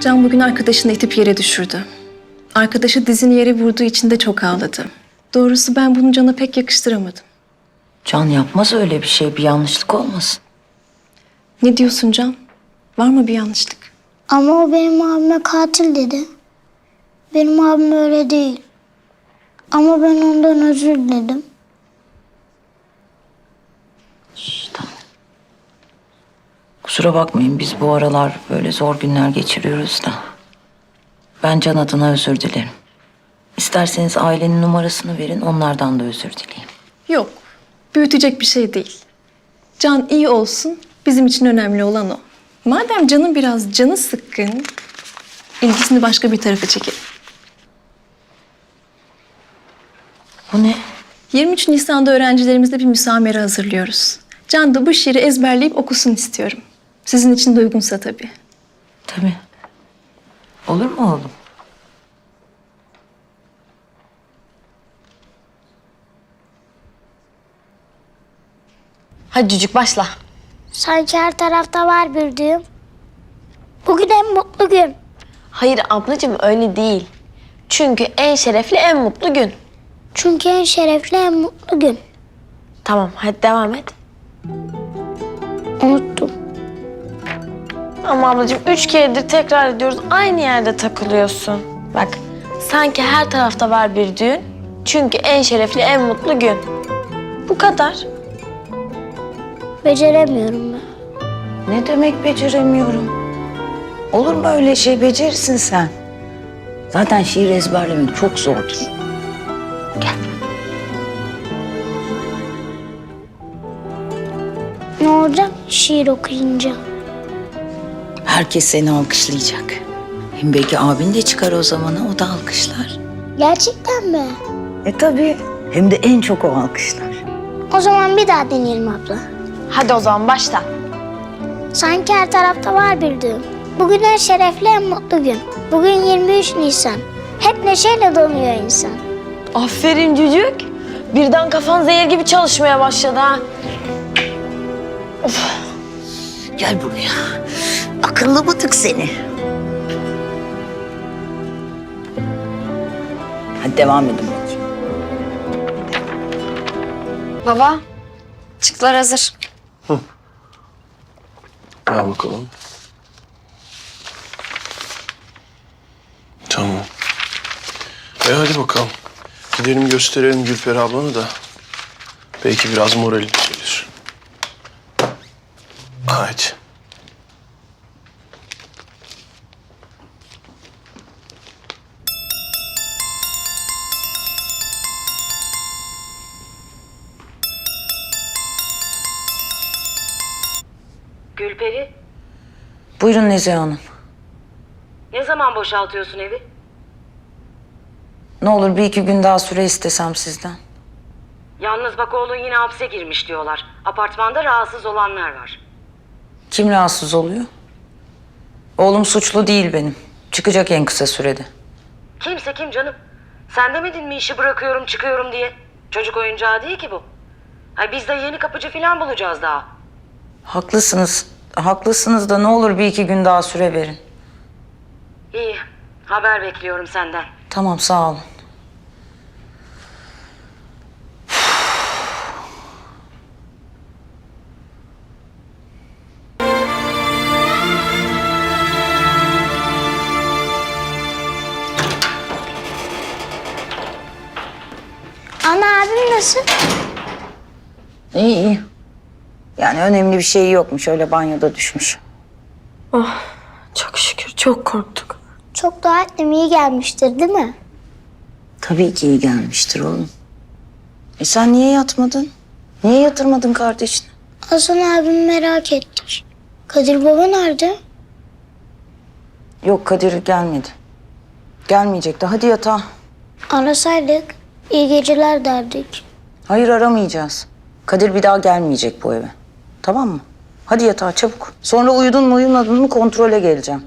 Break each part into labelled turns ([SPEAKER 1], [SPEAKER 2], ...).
[SPEAKER 1] Can bugün arkadaşını itip yere düşürdü. Arkadaşı dizini yere vurduğu için de çok ağladı. Doğrusu ben bunu Can'a pek yakıştıramadım.
[SPEAKER 2] Can yapmaz öyle bir şey. Bir yanlışlık olmasın.
[SPEAKER 1] Ne diyorsun Can? Var mı bir yanlışlık?
[SPEAKER 3] Ama o benim abime katil dedi. Benim abim öyle değil. Ama ben ondan özür diledim.
[SPEAKER 2] Tamam. Kusura bakmayın, biz bu aralar böyle zor günler geçiriyoruz da. Ben Can adına özür dilerim. İsterseniz ailenin numarasını verin, onlardan da özür dileyeyim.
[SPEAKER 1] Yok, büyütecek bir şey değil. Can iyi olsun, bizim için önemli olan o. Madem Can'ın biraz canı sıkkın, ilgisini başka bir tarafa çekelim.
[SPEAKER 2] Bu ne?
[SPEAKER 1] 23 Nisan'da öğrencilerimizle bir müsamere hazırlıyoruz. Can da bu şiiri ezberleyip okusun istiyorum. Sizin için de uygunsa tabii.
[SPEAKER 2] Tabii. Olur mu oğlum?
[SPEAKER 4] Hadi cücük başla.
[SPEAKER 3] Sanki her tarafta var bir düğüm. Bugün en mutlu gün.
[SPEAKER 4] Hayır ablacığım öyle değil. Çünkü en şerefli en mutlu gün.
[SPEAKER 3] Çünkü en şerefli en mutlu gün.
[SPEAKER 4] Tamam hadi devam et.
[SPEAKER 3] Unuttum.
[SPEAKER 4] Ama ablacığım 3 keredir tekrar ediyoruz. Aynı yerde takılıyorsun. Bak sanki her tarafta var bir düğün. Çünkü en şerefli en mutlu gün. Bu kadar.
[SPEAKER 3] Beceremiyorum ben.
[SPEAKER 2] Ne demek beceremiyorum? Olur mu öyle şey? Becerirsin sen. Zaten şiir ezberlemek çok zordur. Gel.
[SPEAKER 3] Ne olacak şiir okuyunca?
[SPEAKER 2] Herkes seni alkışlayacak. Hem belki abin de çıkar o zamana, o da alkışlar.
[SPEAKER 3] Gerçekten mi?
[SPEAKER 2] Tabii. Hem de en çok o alkışlar.
[SPEAKER 3] O zaman bir daha deneyelim abla.
[SPEAKER 4] Hadi o zaman başla.
[SPEAKER 3] Sanki her tarafta var bir düğüm. Bugün en şerefli en mutlu gün. Bugün 23 Nisan. Hep neşeyle doluyor insan.
[SPEAKER 4] Aferin cücük. Birden kafan zehir gibi çalışmaya başladı ha.
[SPEAKER 2] Gel buraya. Akıllı bıtık seni. Hadi devam edin bakayım.
[SPEAKER 5] Baba, çıktılar hazır.
[SPEAKER 6] Al bakalım. Tamam. Hadi bakalım. Gidelim gösterelim Gülperi ablanı da. Belki biraz morali düzelir. Haydi.
[SPEAKER 7] Gülperi,
[SPEAKER 2] Buyurun Nezihe Hanım.
[SPEAKER 7] ne zaman boşaltıyorsun evi?
[SPEAKER 2] Ne olur bir iki gün daha süre istesem sizden.
[SPEAKER 7] Yalnız bak oğlun yine hapse girmiş diyorlar. Apartmanda rahatsız olanlar var.
[SPEAKER 2] Kim rahatsız oluyor? Oğlum suçlu değil benim. Çıkacak en kısa sürede.
[SPEAKER 7] Kimse kim canım? Sen demedin mi işi bırakıyorum çıkıyorum diye? Çocuk oyuncağı değil ki bu. Ay biz de yeni kapıcı falan bulacağız daha.
[SPEAKER 2] Haklısınız. Haklısınız da ne olur bir iki gün daha süre verin.
[SPEAKER 7] İyi, haber bekliyorum senden.
[SPEAKER 2] Tamam, sağ olun.
[SPEAKER 3] Ana abim nasıl?
[SPEAKER 2] İyi iyi. Yani önemli bir şey yokmuş. Öyle banyoda düşmüş.
[SPEAKER 4] Çok şükür çok korktuk.
[SPEAKER 3] Çok dua ettim iyi gelmiştir değil mi?
[SPEAKER 2] Tabii ki iyi gelmiştir oğlum. Sen niye yatmadın? Niye yatırmadın kardeşini?
[SPEAKER 3] Hasan abimi merak ettik. Kadir baba nerede?
[SPEAKER 2] Yok, Kadir gelmedi. Gelmeyecekti. Hadi yatağa.
[SPEAKER 3] Arasaydık iyi geceler derdik.
[SPEAKER 2] Hayır, aramayacağız. Kadir bir daha gelmeyecek bu eve. Tamam mı? Hadi yatağa çabuk. Sonra uyudun mu uyumadın mı kontrole geleceğim.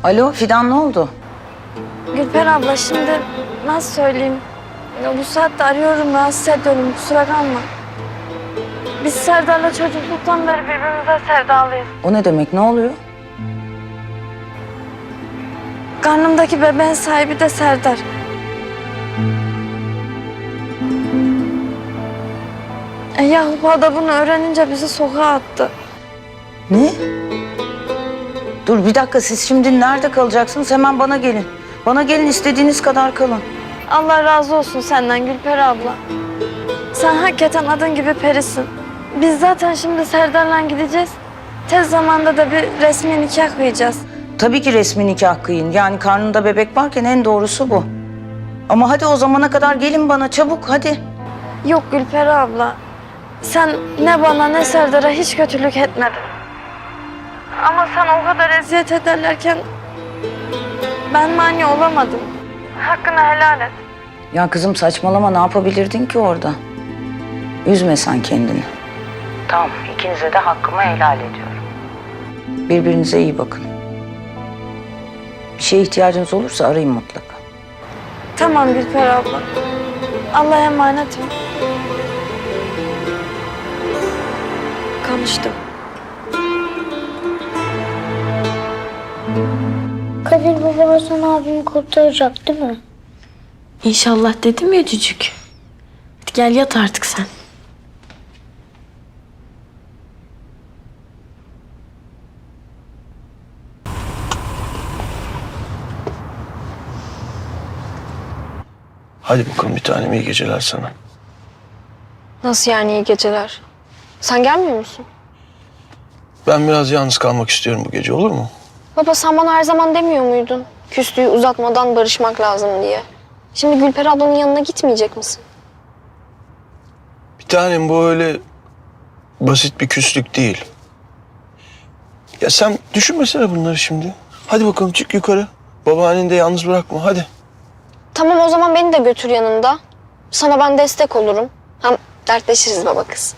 [SPEAKER 2] Alo Fidan, ne oldu?
[SPEAKER 5] Gülper abla şimdi nasıl söyleyeyim? Ya bu saatte arıyorum, rahatsız ediyorum, kusura kalma. Biz Serdar'la çocukluktan beri birbirimize sevdalıyız.
[SPEAKER 2] O ne demek, ne oluyor?
[SPEAKER 5] Karnımdaki bebeğin sahibi de Serdar. Yakup da bunu öğrenince bizi sokağa attı.
[SPEAKER 2] Ne? Dur bir dakika, siz şimdi nerede kalacaksınız? Hemen bana gelin. Bana gelin, istediğiniz kadar kalın.
[SPEAKER 5] Allah razı olsun senden Gülper abla. Sen hakikaten adın gibi perisin. Biz zaten şimdi Serdar'la gideceğiz. Tez zamanda da bir resmi nikah kıyacağız.
[SPEAKER 2] Tabii ki resmi nikah kıyın. Yani karnında bebek varken en doğrusu bu. Ama hadi o zamana kadar gelin bana çabuk, hadi.
[SPEAKER 5] Yok Gülper abla. Sen ne bana ne Serdar'a hiç kötülük etmedin. Ama sen o kadar eziyet ederlerken ben mani olamadım. Hakkını helal et.
[SPEAKER 2] Ya kızım saçmalama, ne yapabilirdin ki orada? Üzme sen kendini. Tamam, ikinize de hakkımı helal ediyorum. Birbirinize iyi bakın. Bir şeye ihtiyacınız olursa arayın mutlaka.
[SPEAKER 5] Tamam Gülper abla. Allah'a emanet ol. Konuştum.
[SPEAKER 3] Kadir baba Hasan abimi kurtaracak değil mi?
[SPEAKER 4] İnşallah dedim ya cücük. Hadi gel yat artık sen.
[SPEAKER 6] Hadi bakalım bir tanem, iyi geceler sana.
[SPEAKER 5] Nasıl yani iyi geceler? Sen gelmiyor musun?
[SPEAKER 6] Ben biraz yalnız kalmak istiyorum bu gece, olur mu?
[SPEAKER 5] Baba sen bana her zaman demiyor muydun? Küslüğü uzatmadan barışmak lazım diye. Şimdi Gülper ablanın yanına gitmeyecek misin?
[SPEAKER 6] Bir tanem, bu öyle basit bir küslük değil. Ya sen düşünmesene bunları şimdi. Hadi bakalım çık yukarı. Babaanneni de yalnız bırakma, hadi.
[SPEAKER 5] Tamam o zaman beni de götür yanında. Sana ben destek olurum. Hem dertleşiriz baba kız.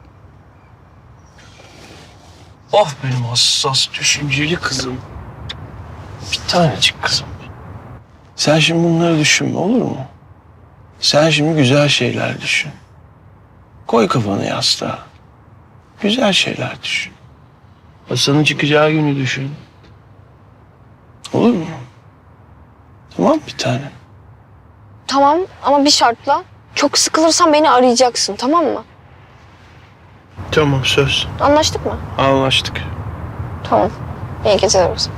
[SPEAKER 6] Ah benim hassas, düşünceli kızım. Bir tanecik kızım. Sen şimdi bunları düşünme, olur mu? Sen şimdi güzel şeyler düşün. Koy kafanı yastığa. Güzel şeyler düşün. Hasan'ın çıkacağı günü düşün. Olur mu? Tamam bir tanem.
[SPEAKER 5] Tamam ama bir şartla. Çok sıkılırsan beni arayacaksın tamam mı?
[SPEAKER 6] Tamam, söz.
[SPEAKER 5] Anlaştık mı?
[SPEAKER 6] Anlaştık.
[SPEAKER 5] Tamam. İyi geceler olsun.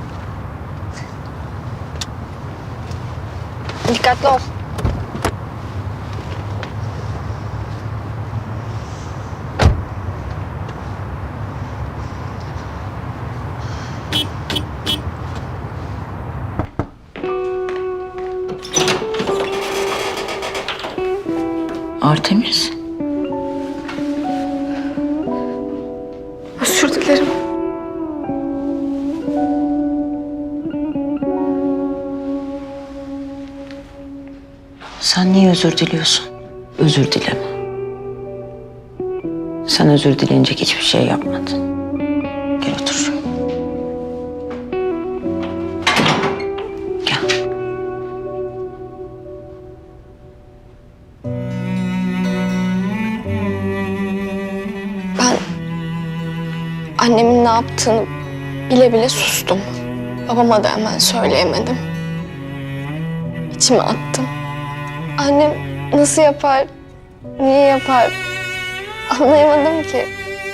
[SPEAKER 5] Dikkatli ol.
[SPEAKER 2] Artemis.
[SPEAKER 1] Özür dilerim.
[SPEAKER 2] Sen niye özür diliyorsun? Özür dileme. Sen özür dileyecek hiçbir şey yapmadın. Gel otur. Gel.
[SPEAKER 5] Ben annemin ne yaptığını bile bile sustum. Babama da hemen söyleyemedim. İçime attım. Annem nasıl yapar, niye yapar anlayamadım ki.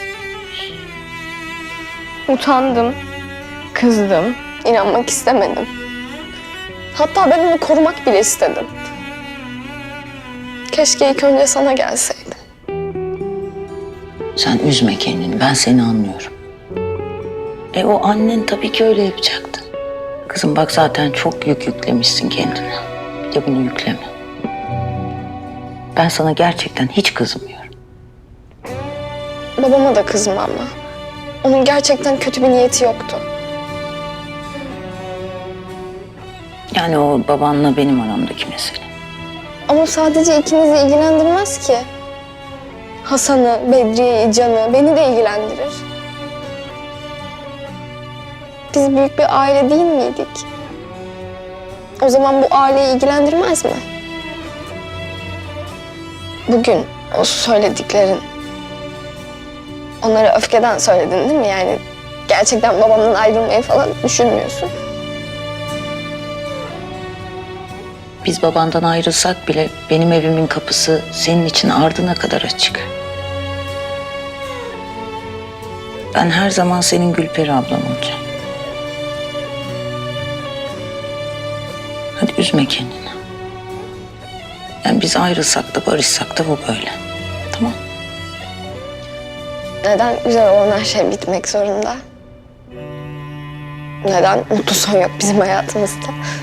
[SPEAKER 5] Utandım, kızdım, inanmak istemedim. Hatta ben onu korumak bile istedim. Keşke ilk önce sana gelseydim.
[SPEAKER 2] Sen üzme kendini, ben seni anlıyorum. O annen tabii ki öyle yapacaktı. Kızım bak zaten çok yük yüklemişsin kendine. Bir de bunu yükleme. Ben sana gerçekten hiç kızmıyorum.
[SPEAKER 5] Babama da kızma ama. Onun gerçekten kötü bir niyeti yoktu.
[SPEAKER 2] Yani o babanla benim aramdaki mesele.
[SPEAKER 5] Ama sadece ikinizi ilgilendirmez ki. Hasan'ı, Bedriye'yi, Can'ı, beni de ilgilendirir.
[SPEAKER 8] biz büyük bir aile değil miydik? O zaman bu aileyi ilgilendirmez mi? Bugün o söylediklerin... Onları öfkeden söyledin değil mi? Yani gerçekten babamdan ayrılmayı falan düşünmüyorsun.
[SPEAKER 2] Biz babandan ayrılsak bile benim evimin kapısı senin için ardına kadar açık. Ben her zaman senin Gülperi ablan olacağım. Hadi üzme kendini. Yani biz ayrılsak da barışsak da bu böyle. Tamam.
[SPEAKER 8] Neden güzel olan her şey bitmek zorunda? Neden mutlu son yok bizim hayatımızda?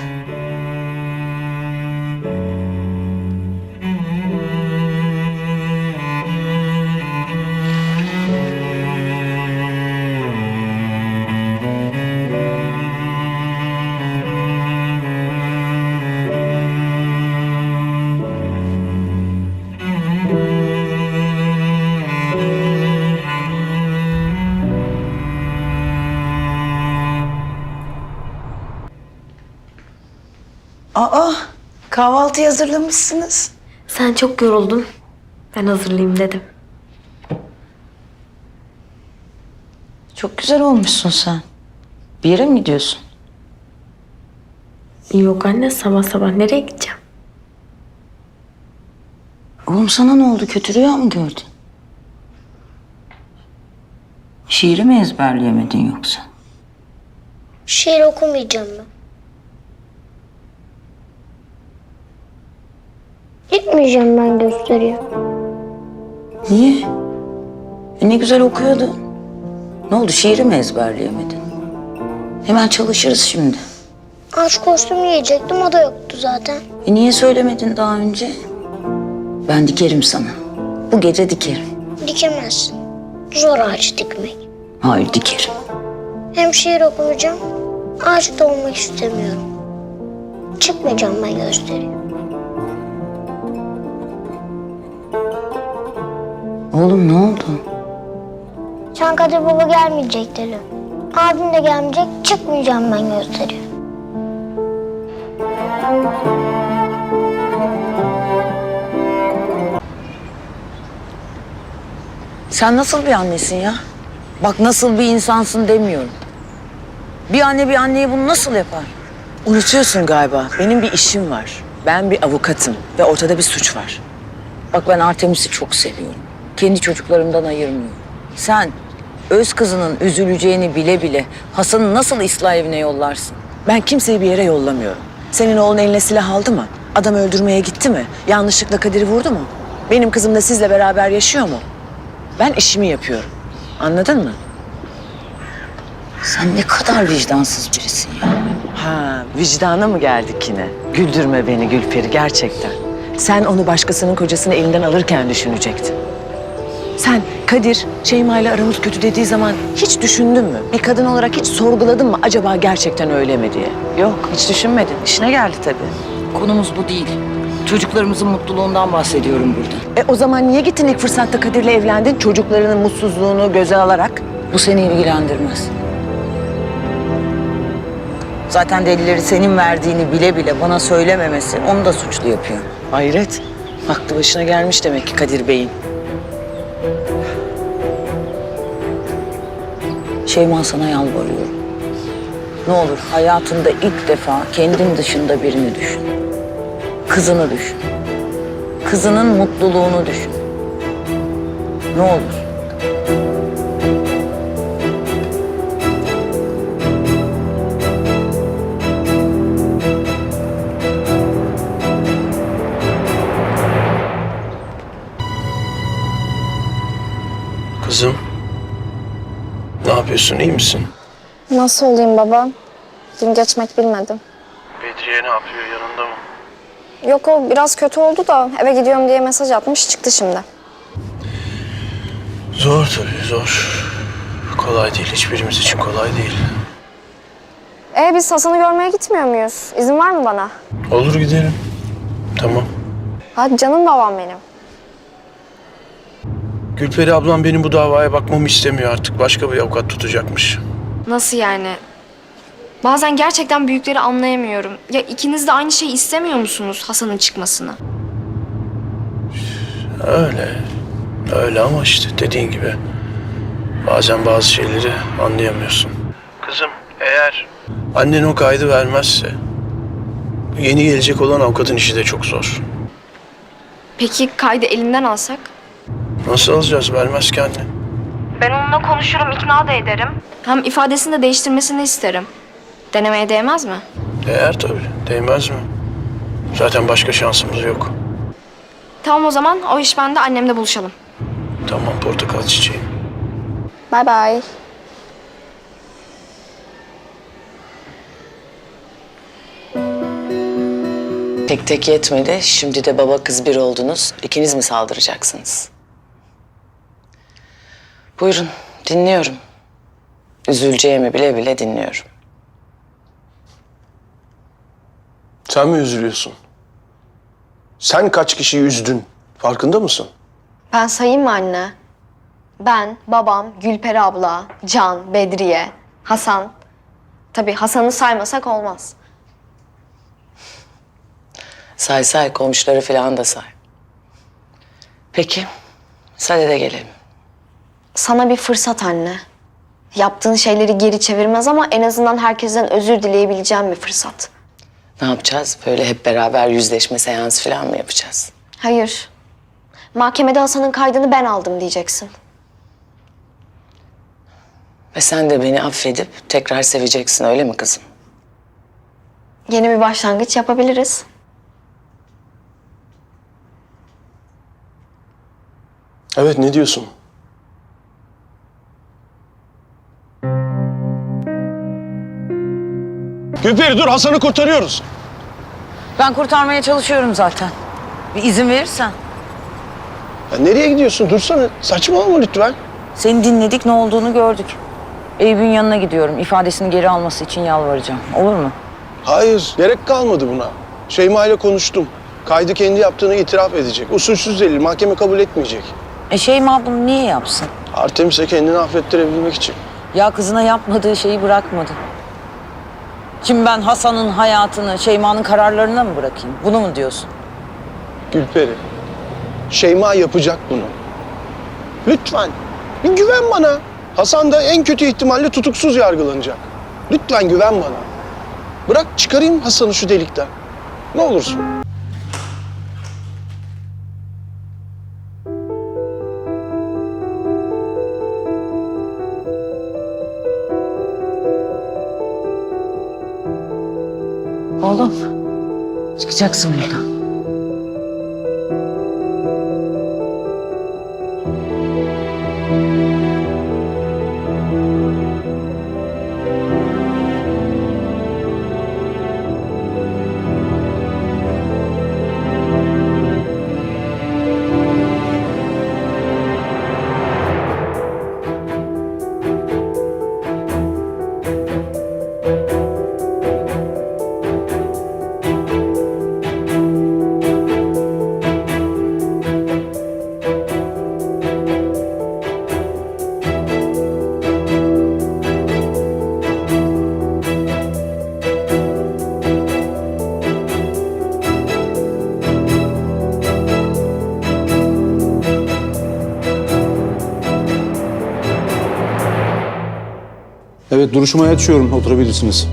[SPEAKER 2] Aa, kahvaltı hazırlamışsınız.
[SPEAKER 4] Sen çok yoruldun. Ben hazırlayayım dedim.
[SPEAKER 2] Çok güzel olmuşsun sen. Bir yere mi gidiyorsun?
[SPEAKER 4] Yok anne, sabah sabah nereye gideceğim?
[SPEAKER 2] Oğlum sana ne oldu? Kötü rüya mı gördün? Şiiri mi ezberleyemedin yoksa?
[SPEAKER 3] Şiir okumayacağım ben. Gitmeyeceğim ben gösteriye.
[SPEAKER 2] Niye? Ne güzel okuyordun. Ne oldu? Şiiri mi ezberleyemedin? Hemen çalışırız şimdi.
[SPEAKER 3] Aşk kostümü yiyecektim, o da yoktu zaten.
[SPEAKER 2] Niye söylemedin daha önce? Ben dikerim sana. Bu gece dikerim.
[SPEAKER 3] Dikemezsin. Zor ağaç dikmek.
[SPEAKER 2] Hayır, dikerim.
[SPEAKER 3] Hem şiir okumayacağım, ağaç da olmak istemiyorum. Çıkmayacağım ben gösteriye.
[SPEAKER 2] Oğlum ne oldu?
[SPEAKER 3] Sen Kadir Baba gelmeyecek dedi. Abim de gelmeyecek, çıkmayacağım ben gösteriye.
[SPEAKER 2] Sen nasıl bir annesin ya? Bak nasıl bir insansın demiyorum. Bir anne bir anneye bunu nasıl yapar?
[SPEAKER 9] Unutuyorsun galiba. Benim bir işim var. Ben bir avukatım ve ortada bir suç var.
[SPEAKER 2] Bak ben Artemis'i çok seviyorum. Kendi çocuklarımdan ayırmıyorum. Sen öz kızının üzüleceğini bile bile Hasan'ı nasıl ıslah evine yollarsın?
[SPEAKER 9] Ben kimseyi bir yere yollamıyorum. Senin oğlun eline silah aldı mı? Adam öldürmeye gitti mi? Yanlışlıkla Kadir'i vurdu mu? Benim kızım da sizle beraber yaşıyor mu? Ben işimi yapıyorum. Anladın mı?
[SPEAKER 2] Sen ne kadar vicdansız birisin ya.
[SPEAKER 9] Ha, vicdana mı geldik yine? Güldürme beni Gülperi gerçekten. Sen onu başkasının kocasını elinden alırken düşünecektin. Sen Kadir, Şeyma ile aramız kötü dediği zaman hiç düşündün mü? Bir kadın olarak hiç sorguladın mı acaba gerçekten öyle mi diye? Yok, hiç düşünmedin. İşine geldi tabii.
[SPEAKER 2] Konumuz bu değil. Çocuklarımızın mutluluğundan bahsediyorum burada.
[SPEAKER 9] O zaman niye gittin ilk fırsatta Kadir'le evlendin? Çocuklarının mutsuzluğunu göze alarak.
[SPEAKER 2] Bu seni ilgilendirmez. Zaten delilleri senin verdiğini bile bile bana söylememesi onu da suçlu yapıyor.
[SPEAKER 9] Hayret, aklı başına gelmiş demek ki Kadir Bey'in.
[SPEAKER 2] Şeyma sana yalvarıyorum. Ne olur hayatında ilk defa kendin dışında birini düşün. Kızını düşün. Kızının mutluluğunu düşün. Ne olur.
[SPEAKER 6] Kızım. Ne yapıyorsun? İyi misin?
[SPEAKER 8] Nasıl olayım baba? Gün geçmek bilmedim.
[SPEAKER 6] Bedriye ne yapıyor? Yanında mı?
[SPEAKER 8] Yok, o biraz kötü oldu da eve gidiyorum diye mesaj atmış, çıktı şimdi.
[SPEAKER 6] Zor tabii, zor. Kolay değil. Hiçbirimiz için kolay değil.
[SPEAKER 8] Biz Hasan'ı görmeye gitmiyor muyuz? İzin var mı bana?
[SPEAKER 6] Olur gidelim. Tamam.
[SPEAKER 8] Hadi canım babam benim.
[SPEAKER 6] Gülperi ablam benim bu davaya bakmamı istemiyor artık. Başka bir avukat tutacakmış.
[SPEAKER 5] Nasıl yani?
[SPEAKER 8] Bazen gerçekten büyükleri anlayamıyorum. Ya ikiniz de aynı şeyi istemiyor musunuz Hasan'ın çıkmasını?
[SPEAKER 6] Öyle. Öyle ama işte dediğin gibi bazen bazı şeyleri anlayamıyorsun. Kızım eğer annen o kaydı vermezse yeni gelecek olan avukatın işi de çok zor.
[SPEAKER 8] Peki kaydı elinden alsak?
[SPEAKER 6] Nasıl alacağız vermez ki annen?
[SPEAKER 8] Ben onunla konuşurum, ikna da ederim. Hem ifadesini de değiştirmesini isterim. Denemeye değmez mi?
[SPEAKER 6] Değer tabii. Değmez mi? Zaten başka şansımız yok.
[SPEAKER 8] Tamam o zaman o iş bende, annemle buluşalım.
[SPEAKER 6] Tamam portakal çiçeğim.
[SPEAKER 8] Bay bay.
[SPEAKER 9] Tek tek yetmedi. Şimdi de baba kız bir oldunuz. İkiniz mi saldıracaksınız? Buyurun, dinliyorum. Üzüleceğimi bile bile dinliyorum.
[SPEAKER 6] Sen mi üzülüyorsun? Sen kaç kişiyi üzdün? Farkında mısın?
[SPEAKER 8] Ben sayayım mı anne? Ben, babam, Gülperi abla, Can, Bedriye, Hasan. Tabii Hasan'ı saymasak olmaz.
[SPEAKER 9] Say say, komşuları falan da say. Peki, sadede gelelim.
[SPEAKER 8] Sana bir fırsat anne. Yaptığın şeyleri geri çevirmez ama en azından herkesten özür dileyebileceğim bir fırsat.
[SPEAKER 9] Ne yapacağız? Böyle hep beraber yüzleşme seansı falan mı yapacağız?
[SPEAKER 8] Hayır. Mahkemede Hasan'ın kaydını ben aldım diyeceksin.
[SPEAKER 9] Ve sen de beni affedip tekrar seveceksin, öyle mi kızım?
[SPEAKER 8] Yeni bir başlangıç yapabiliriz.
[SPEAKER 6] Evet ne diyorsun? Gülperi dur Hasan'ı kurtarıyoruz.
[SPEAKER 2] Ben kurtarmaya çalışıyorum zaten. Bir izin verirsen.
[SPEAKER 6] Ya nereye gidiyorsun? Dursana. Saçmalama lütfen.
[SPEAKER 2] Seni dinledik, ne olduğunu gördük. Eyüp'ün yanına gidiyorum. İfadesini geri alması için yalvaracağım. Olur mu?
[SPEAKER 6] Hayır, gerek kalmadı buna. Şeyma ile konuştum. Kaydı kendi yaptığını itiraf edecek. Usulsüz delil, mahkeme kabul etmeyecek.
[SPEAKER 2] Şeyma bunu niye yapsın?
[SPEAKER 6] Artemis'e kendini affettirebilmek için.
[SPEAKER 2] Ya kızına yapmadığı şeyi bırakmadı. Şimdi ben Hasan'ın hayatını Şeyma'nın kararlarına mı bırakayım? Bunu mu diyorsun?
[SPEAKER 6] Gülperi, Şeyma yapacak bunu. Lütfen, bir güven bana. Hasan da en kötü ihtimalle tutuksuz yargılanacak. Lütfen güven bana. Bırak çıkarayım Hasan'ı şu delikten. Ne olursun.
[SPEAKER 2] Oğlum, çıkacaksın buradan.
[SPEAKER 10] Evet, duruşmayı açıyorum. Oturabilirsiniz.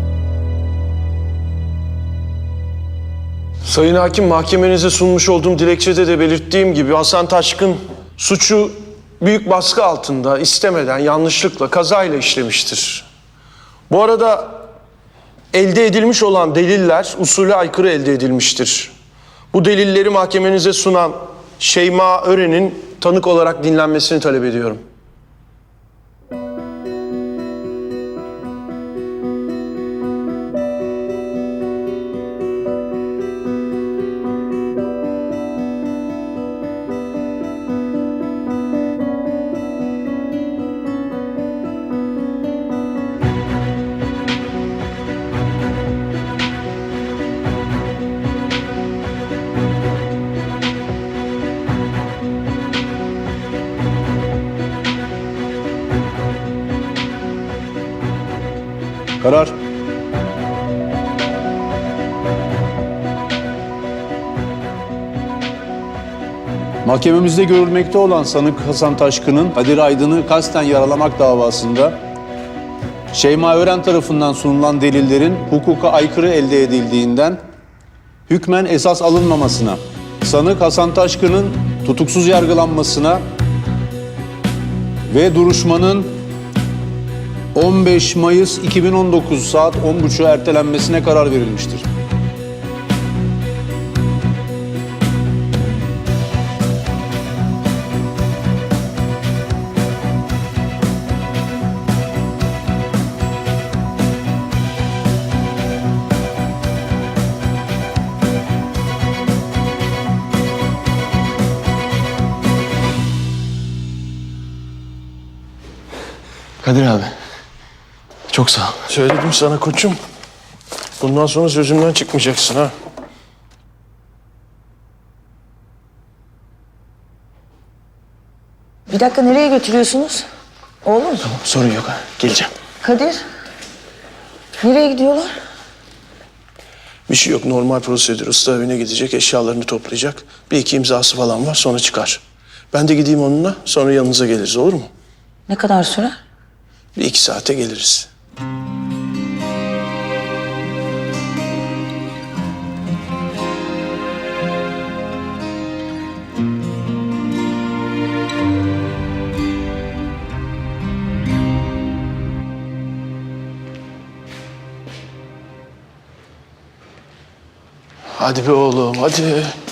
[SPEAKER 6] Sayın Hakim, mahkemenize sunmuş olduğum dilekçede de belirttiğim gibi Hasan Taşkın suçu büyük baskı altında, istemeden, yanlışlıkla, kazayla işlemiştir. Bu arada elde edilmiş olan deliller usule aykırı elde edilmiştir. Bu delilleri mahkemenize sunan Şeyma Ören'in tanık olarak dinlenmesini talep ediyorum.
[SPEAKER 10] Karar. Mahkememizde görülmekte olan sanık Hasan Taşkın'ın Kadir Aydın'ı kasten yaralamak davasında Şeyma Ören tarafından sunulan delillerin hukuka aykırı elde edildiğinden hükmen esas alınmamasına, sanık Hasan Taşkın'ın tutuksuz yargılanmasına ve duruşmanın 15 Mayıs 2019 saat 10.30'a ertelenmesine karar verilmiştir.
[SPEAKER 6] Kadir abi. Çok sağ ol. Söyledim sana koçum. Bundan sonra sözümden çıkmayacaksın ha.
[SPEAKER 2] Bir dakika, nereye götürüyorsunuz? Oğlum.
[SPEAKER 6] Tamam, sorun yok ha. Geleceğim.
[SPEAKER 2] Kadir. Nereye gidiyorlar?
[SPEAKER 6] Bir şey yok. Normal prosedür. Usta evine gidecek, eşyalarını toplayacak. Bir iki imzası falan var, sonra çıkar. Ben de gideyim onunla, sonra yanınıza geliriz, olur mu?
[SPEAKER 2] Ne kadar sürer?
[SPEAKER 6] Bir iki saate geliriz. Hadi be oğlum, hadi.